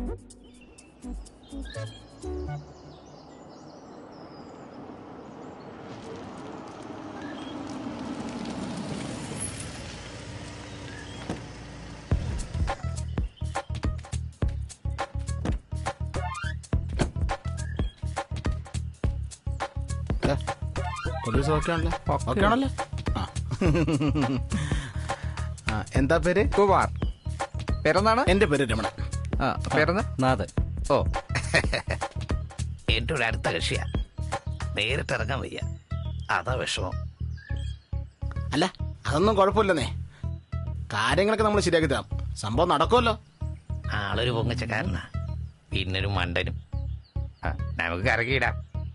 എന്താ പേര്? കുമാർ. പേരെന്താണ്? എന്റെ പേര് രമണൻ. പേരെന്താ? നാഥൻ. ഓ, എന്റെ ഒരു അടുത്ത കക്ഷിയാ. നേരിട്ട് ഇറങ്ങാൻ വയ്യ, അതാ വിഷമം. അല്ല, അതൊന്നും കുഴപ്പമില്ലെന്നേ. കാര്യങ്ങളൊക്കെ നമ്മൾ ശരിയാക്കി തരാം. സംഭവം നടക്കുമല്ലോ. ആളൊരു പൊങ്ങച്ചക്കാരനാ, പിന്നൊരു മണ്ടനും. നമുക്ക് കറക്കിയിടാം.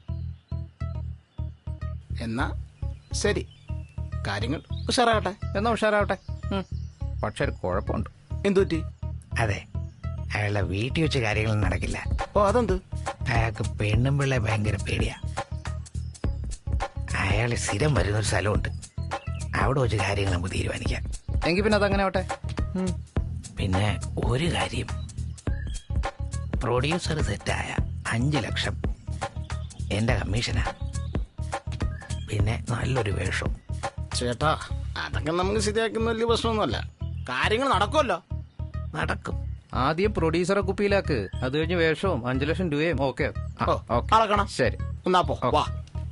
എന്നാ ശരി, കാര്യങ്ങൾ ഉഷാറാകട്ടെ. എന്നാ ഉഷാറാവട്ടെ. പക്ഷെ ഒരു കുഴപ്പമുണ്ട്. എന്തുപറ്റി? അതെ, അയാളുടെ വീട്ടിൽ വെച്ച് കാര്യങ്ങളൊന്നും നടക്കില്ല. ഓ, അതെന്ത്? അയാൾക്ക് പെണ്ണും പിള്ളെ ഭയങ്കര പേടിയാ. അയാൾ സ്ഥിരം വരുന്നൊരു സ്ഥലമുണ്ട്, അവിടെ വെച്ച് കാര്യങ്ങൾ നമുക്ക് തീരുമാനിക്കാം. എങ്കിൽ പിന്നെ അതങ്ങനെ ആവട്ടെ. പിന്നെ ഒരു കാര്യം, പ്രൊഡ്യൂസർ സെറ്റായ 5 ലക്ഷം എൻ്റെ കമ്മീഷനാ. പിന്നെ നല്ലൊരു വേഷം. ചേട്ടാ, അതൊക്കെ നമുക്ക് ശരിയാക്കുന്ന വലിയ പ്രശ്നമൊന്നുമല്ല. കാര്യങ്ങൾ നടക്കുമല്ലോ. നടക്കും. ആദ്യം പ്രൊഡ്യൂസറെ കുപ്പിയിലാക്ക്, അത് കഴിഞ്ഞ് വേഷവും 5 ലക്ഷം രൂപയും. ഓക്കെ, അളക്കണം. ശരി, എന്നാ പോ. വാ.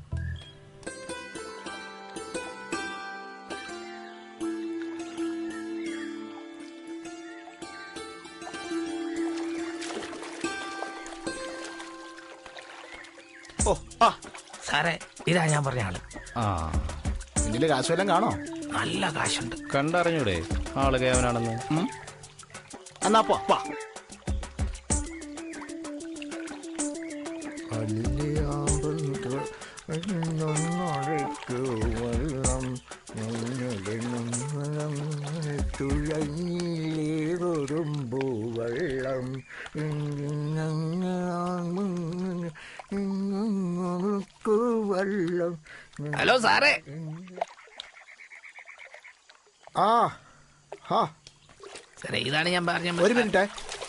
ഓ, ആ സാറേ, ഇതാ ഞാൻ പറഞ്ഞ ആള്. ഇതില് കാശ് വല്ലതും കാണോ? നല്ല കാശുണ്ട്. കണ്ടറിഞ്ഞൂടെ ആള് കേവനാണെന്ന്? എന്നാ പോ. വാ. ഹലോ സാറേ. സാറേ, ഇതാണ് ഞാൻ പറഞ്ഞ. ഒരു മിനിറ്റ്.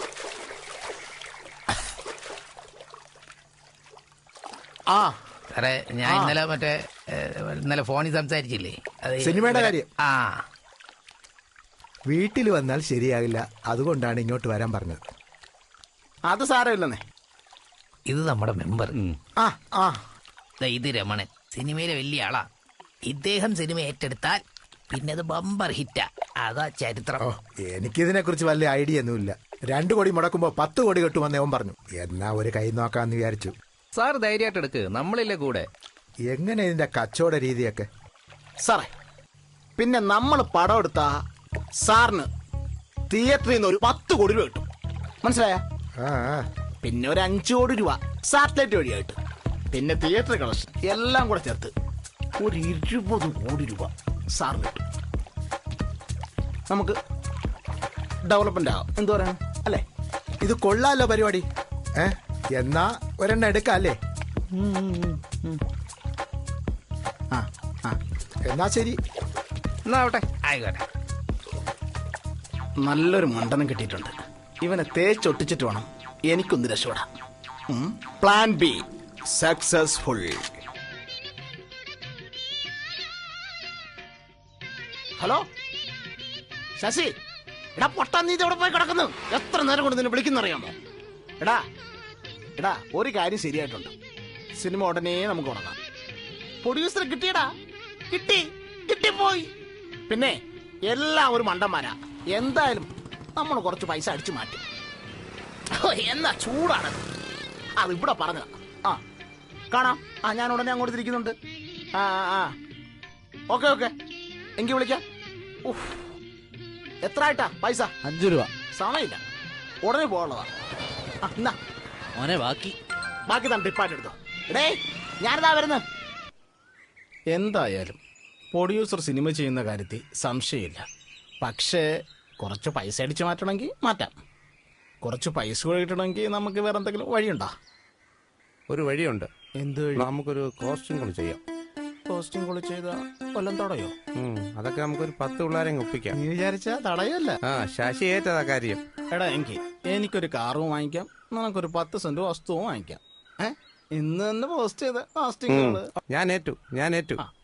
സാറേ, ഞാൻ ഇന്നലെ ഫോണിൽ സംസാരിച്ചില്ലേ, സിനിമയുടെ കാര്യം. വീട്ടിൽ വന്നാൽ ശരിയാകില്ല, അതുകൊണ്ടാണ് ഇങ്ങോട്ട് വരാൻ പറഞ്ഞത്. അത് സാരമില്ലെന്നേ. ഇത് നമ്മുടെ മെമ്പർ. ആ ഇത് രമണൻ, സിനിമയിലെ വലിയ ആളാ. ഇദ്ദേഹം സിനിമ ഏറ്റെടുത്താൽ പിന്നെ അത് ബമ്പർ ഹിറ്റാ. അതാ ചരിത്രം. എനിക്കിതിനെ കുറിച്ച് വലിയ ഐഡിയ ഒന്നുമില്ല. 2 കോടി മുടക്കുമ്പോ 10 കോടി കിട്ടുമെന്ന് അവൻ പറഞ്ഞു. എന്നാ ഒരു കൈ നോക്കാന്ന് വിചാരിച്ചു. സാർ ധൈര്യമായിട്ട് എടുക്ക്, നമ്മളില്ലേ കൂടെ. എങ്ങനെ ഇതിന്റെ കച്ചവട രീതിയൊക്കെ? സാറേ, പിന്നെ നമ്മൾ പടം എടുത്താ സാറിന് തിയേറ്ററിൽ നിന്ന് ഒരു 10 കോടി രൂപ കിട്ടും. മനസ്സിലായ? പിന്നെ ഒരു 5 കോടി രൂപ സാറ്റലൈറ്റ് വഴിയായിട്ട്, പിന്നെ തിയേറ്റർ കളക്ഷൻ എല്ലാം കൂടെ ചേർത്ത് ഒരു 20 കോടി രൂപ സാറിന് കിട്ടും. നമുക്ക് ഡെവലപ്മെന്റ് ആവാം. എന്തു പറയാം അല്ലേ? ഇത് കൊള്ളാലോ പരിപാടി. എന്നാ ഒരെണ്ണം എടുക്കാം അല്ലേ? എന്നാ ശരി. എന്നാ ആവട്ടെ. ആയിക്കോട്ടെ. നല്ലൊരു മണ്ടനം കിട്ടിയിട്ടുണ്ട്. ഇവനെ തേച്ചൊട്ടിച്ചിട്ട് വേണം എനിക്കൊന്ന് രക്ഷപ്പെടാം. Plan B successful. Hello Shashi, എടാ പൊട്ടാ, നീ എവിടെ പോയി കിടക്കുന്നു? എത്ര നേരം കൊണ്ട് നിന്നെ വിളിക്കുന്നറിയാമോ? എടാ ഒരു കാര്യം ശരിയായിട്ടുണ്ട്. സിനിമ ഉടനെ നമുക്ക് തുടങ്ങാം. പ്രൊഡ്യൂസറെ കിട്ടിയടാ, കിട്ടിപ്പോയി. പിന്നെ എല്ലാം ഒരു മണ്ടന്മാരാ. എന്തായാലും നമ്മൾ കുറച്ച് പൈസ അടിച്ചു മാറ്റും. എന്നാ ചൂടാണ് അത്. ഇവിടെ പറഞ്ഞതാ. കാണാം. ഞാൻ ഉടനെ അങ്ങോട്ട് തിരിക്കുന്നുണ്ട്. ഓക്കെ, എങ്കിൽ വിളിക്കാം. എത്ര ആയിട്ടാ പൈസ? 5 രൂപ. സമയമില്ല, ഉടനെ പോകാനുള്ളതാ. എന്നാ മോനെ, ബാക്കി തന്നെ ടിപ്പായിട്ട് എടുത്തോ. എടേ, ഞാനിതാ വരുന്നത്. എന്തായാലും പ്രൊഡ്യൂസർ സിനിമ ചെയ്യുന്ന കാര്യത്തിൽ സംശയമില്ല. പക്ഷേ കുറച്ച് പൈസ അടിച്ചു മാറ്റണമെങ്കിൽ മാറ്റാം. കുറച്ച് പൈസ കൂടെ കിട്ടണമെങ്കിൽ നമുക്ക് വേറെ എന്തെങ്കിലും വഴിയുണ്ടോ? ഒരു വഴിയുണ്ട്. എന്ത് വഴി? നമുക്കൊരു കോസ്റ്റ്യൂം കളി ചെയ്യാം. കോസ്റ്റ്യൂം കളി ചെയ്താൽ കൊല്ലം തടയോ? അതൊക്കെ നമുക്കൊരു 10 പിള്ളേരെ ഒപ്പിക്കാം. നീ വിചാരിച്ചാ തടയല്ല. ശശി ഏറ്റതാ കാര്യം. എടാ, എനിക്ക് എനിക്കൊരു കാറും വാങ്ങിക്കാം, നിനക്കൊരു 10 സെന്റ് വസ്തുവും വാങ്ങിക്കാം. ഇന്ന് തന്നെ പോസ്റ്റ് ചെയ്ത കാസ്റ്റിംഗ് ഞാൻ ഏറ്റു